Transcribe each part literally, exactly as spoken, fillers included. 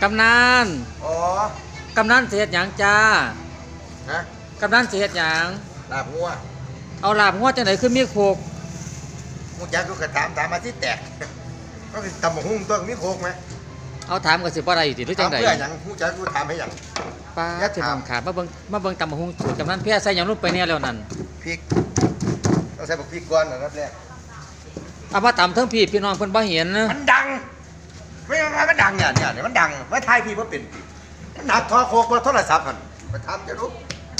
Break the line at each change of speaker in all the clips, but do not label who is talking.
กำนัน
อ๋อก
ำนันเสียดหยังจ้า
ฮะ
กำนันเสียดหยัง
ลาบงัว
เอาลาบงัวจังไหนขึ้นมีโคก
มูจักก็กระถามถามมาที่แตกก็คือตำบักหุ่งตัวมีโคกไหม
เอาถามกันสิบ่ได้ติหรือจั
ถาม
งได
เพื่อหยังมูจักกูถามให้หยัง
ป้า
อย่า
ที่
ถาม
น้องขามาเบิ่งมาเบิ่งตำบักหุ่งสูตรกำนันเพียใส่หยังลงไปเนี่ยแล้วนั่น
พริกต้องใส่บักพริกก่อนนะรับแรก
เอามาตำเทั้งพี่พี่น้องเพิ่นบ่เห็นนะ
มันดังไม่ไม่มันดังเนี่ยเนี่ยเนี่ยมันดังไม่ทายพี่ว่าเป็นพี่มันหนักทอโคกว่าโทรศัพท์มันไปทำจะรู้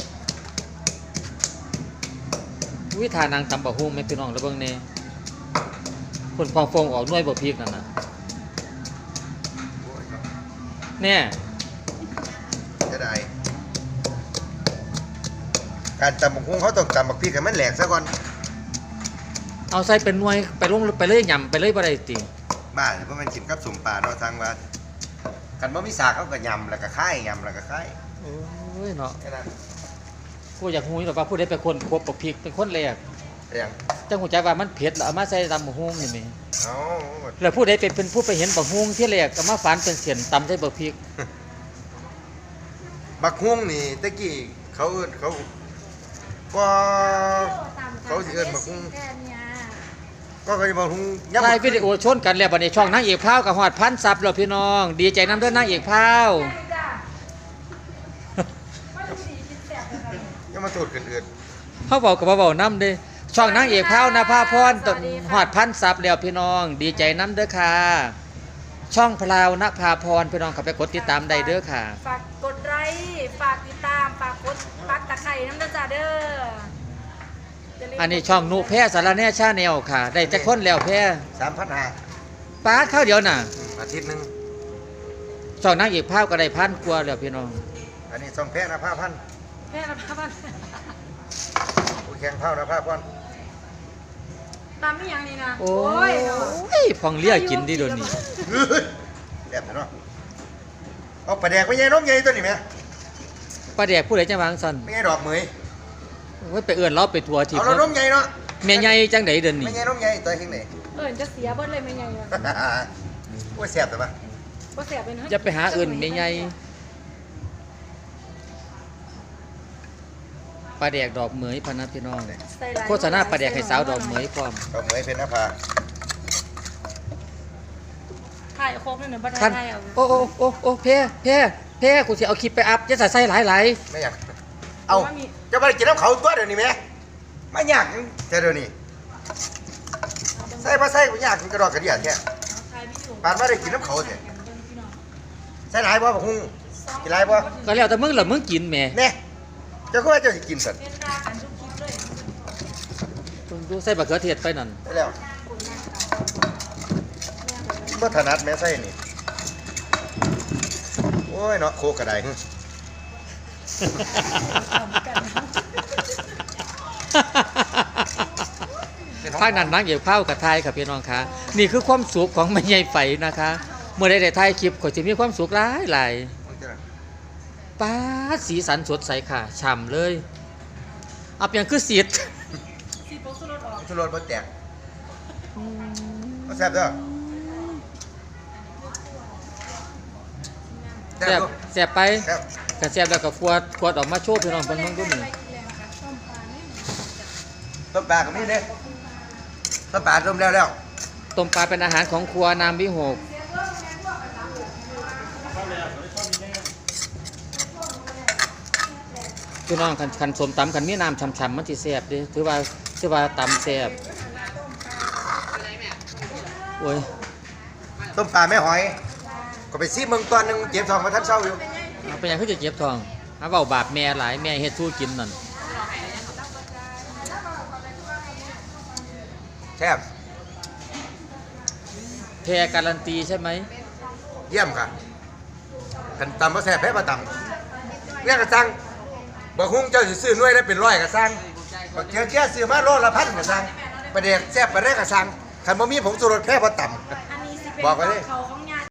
วิธานางตำบักหุ่งแม่พี่น้องแล้วเบิ่งแน่คนฟองฟองออกหน่วยบ่พริกนั่นน่ะเนี่ย
จะได้การตำบักหุ่งเขาต้องตำบักพริกให้มันแหลกซะก่อน
เอาใส่เป็นหน่วยไปลงไปเลยยำไปเลยบ่ได้ติ
บ้าเพราะมันกินกับสมปลาเนาะทางว่ากันบ่มีสากเขาก็ยำแล้วก็ค่ายยำแล้วก็ค่าย
โอ้ยเนาะ
แค่นั้น
กูอยากฮู้อยู่ว่าผู้ใดเป็นคนควบบักพริกเป็นคนแรก
เรียง
จังหูจักว่ามันเผ็ดแล้วเอามาใส่ตำบักหุ่งนี่แหม
เอา
แล้วผู้ใดเป็นเป็นผู้ไปเห็นบักหุ่งที่แรกก็มาฝานเป็นเสียนตำใส่บักพริก
บักฮุ้งนี่ตะกี้เขาเอิ้นเขาก็เขาสิเอิ้นบักฮุ้งก็เขาจะบักฮุ้งยำ
ถ่ายวิดีโอชนกันแล้วบัดนี้ช่องนางเอกพราวกับฮอดพันซับแล้วพี่น้อง ดีใจนำเด้อนางเอกพราว
ยังมาตูดกันเอื่น
เฮาเว้ากับบ่เว้านํเด้ช่องนางเอกพราวนภาพรต้นฮอดพันซับแล้วพี่น้อง ดีใจนำเด้อค่ะ ช่องพราวนภาพรพี่น้องเข้าไปกดติดตามได้เด้อค่ะ
ฝากกดไลค์ฝากติดตามฝากกดปักตะไคร่น้ำเด้อจ้าเด้ออย่าลืม
อันนี้ช่องนุแพ้สารแหน่ชาแนลค่ะ ได้จักคนแล้วแพ้
สามพันห้า
ปาดข้าวเดียวน่ะ
อาทิตย์หนึ่ง
ช่องนางเอกพราวก็ได้พันกว่าแล้วพี่น้อง
อันนี้สองแพ้นะผ้าพัน
แม่รับพัน
ผู้แข่งเท่านะผ้าพัน
ตามไม่ยังนี่นะ
โอ้
ยเนาะ
ยพองเลี้ยกินดิโดนนี่
เฮ้ยแบบนั้นเนาะเอาปลาแดกไปยัยน้องใหญ่ตัวนี้ไหม
ป้าแดกผู้ใดจังหวังซั่น
ไม่ใช่ดอกเหมย
โอ้ยไปเอื้อนเราไปทัวร์ทิพ
เอา
ย์
เราน้องใหญ่เนาะ
แม่ใหญ่จังไดเดิน
ไม่
นี่
ใช่น้องใหญ่ตัวเฮงไหน
เอิญจะเสียเบิ้ลเลยไม่ยังเลย
โอ้ยแซ่บแต่ปะ
ก็เสียเป็น
จะไปหาเอื่นแม่ใหญ่ปลาแดกดอกเหมยพะนะพี่น้องโฆษณาปลาแดกให้สาวดอกเหมยพร้อม
ดอกเหมยเป็นนะผ้า
ถ่ายโคกนี่หนึ่งบัตร
คัน
ไทยเอา
โอ้โอ้โอ้โอ้เพ่เพ่เพ่กูสิเอาคลิปไปอัพจะใส่หลายหลาย
ไม่อยากเอาจะไปกินน้ำเขาตัวเดี๋ยวนี้ไหมไม่อยากแต่เดี๋ยวนี้ใส่ปลาใส่ไม่อยากกินกระดอกกระเดียดแค่ปานว่าได้กินน้ำเขาเนี่ยใส่หลายบ่บักฮุ้งกินหลายบ่
ๆก็แล้วแต่มึงล่ะมึงกินแหม่
เนี่ยเจ้าก็ว่าเจ้าจะกินสัตว์
เป็นดากันทุกคลิปเลย
ดูใส่บักเขือเทศไปนั่น
ได้แล้วก็ถนัดแม่ใส่นี่โอ้ยเนาะโคกระไดหึ
ภาคนั้นนางเอกเผากระทายครับพี่น้องคะนี่คือความสุขของแม่ใหญ่ไฝนะคะเมื่อได้ได้ถ่ายคลิปก็จะมีความสุขหลายหลายป้าดสีสันสดใสค่ะฉ่ำเลยเอาเพียงคือสีด
สีโป๊กสุดรถออก
ชุดรถบ่แตกก็แซ่บเด้อแซ่
แซ่
บบ ดู
แซ่บไป
แซ่บ
กระแซ่บแล้วก็ขวดขวดออกมาโชว์พี่น้องเพิ่นเบิ่งดูนี่
ต้มปลาก็มีเด้ต้มปลาต้มแล้วแล้ว
ต้มปลาเป็นอาหารของครัวนามวิหกพี่น้องคันคันสมตำคันมีน้ำฉ่ำๆมันสิแซ่บเด้ถือว่าถือว่าตำแซ่บโอ้ย
ต้มปลาแม่หอย ก็ไปซีเมืองตอนหนึงเก็บทองมาทันเช้าอยู่
เอาเป็นหยังคือจะเจ็บท้องหาเว้าบาปแม่หลายแม่เฮ็ดสู้กินนั่น
แซ่บ
แพ้การันตีใช่ไหม
เยี่ยมค่ะกันตำบ่แซ่บแพ้บ่ตำเนี่ยกระซังบ่ฮุ้งเจ้าสิซื้อหน่วยได้เป็นร้อยกระซังบ่เจียวแค่ซื้อมาโลละพันกระซังประเดี๋ยวแซ่บบ่ได้กระซังคันบ่มีผงชูรสแพ้บ่ตำ
อันนี้สิเป็น
บอกไว้ดิ
เขาของ